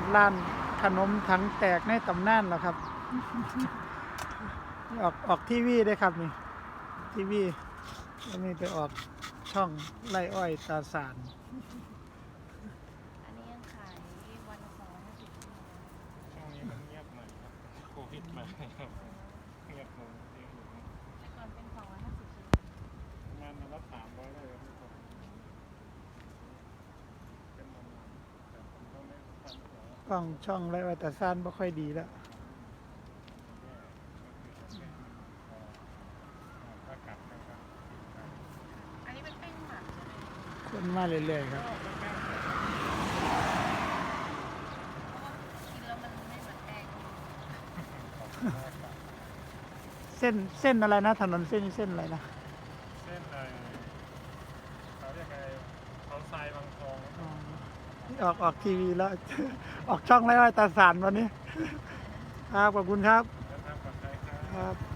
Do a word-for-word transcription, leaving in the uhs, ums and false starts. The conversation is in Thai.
ดร้านขนมถังแตกในตำนานแล้วครับ ออกออกทีวีได้ครับนี่ทีวีแล้วมีไปออกช่องไร่อ้อยตาสารอันนี้ยังขายวันละสองร้อยห้าสิบช่วงนี้มันเงียบหน่อยครับโควิดมาครับเงียบลงเยอะอยู่นะแต่ก่อนเป็นสองร้อยห้าสิบประมาณวันละสามร้อยได้ครับทุกคนเป็นประมาณแต่ผมก็ไม่ทำหัวกล้องช่องไร่อ้อยตาสารไม่ค่อยดีแล้วแย่ก็คือจะเป็นพอถ้ากลับนะครับอันนี้เป็นแป้งหมักใช่ไหมคนมาเรื่อยๆครับเพราะว่ากินแล้วมันไม่เหมือนแป้งเส้นเส้นอะไรนะถนนเส้นนี้เส้นอะไรนะเส้นอะไรเขาเรียกอะไรเขาทรายบางทองอ๋อออกออกทีวีแล้ว ออกช่องไร่อ้อยตาสารวันนี้ ครับขอบคุณครับแล้วทางปลอดภัยครับครับ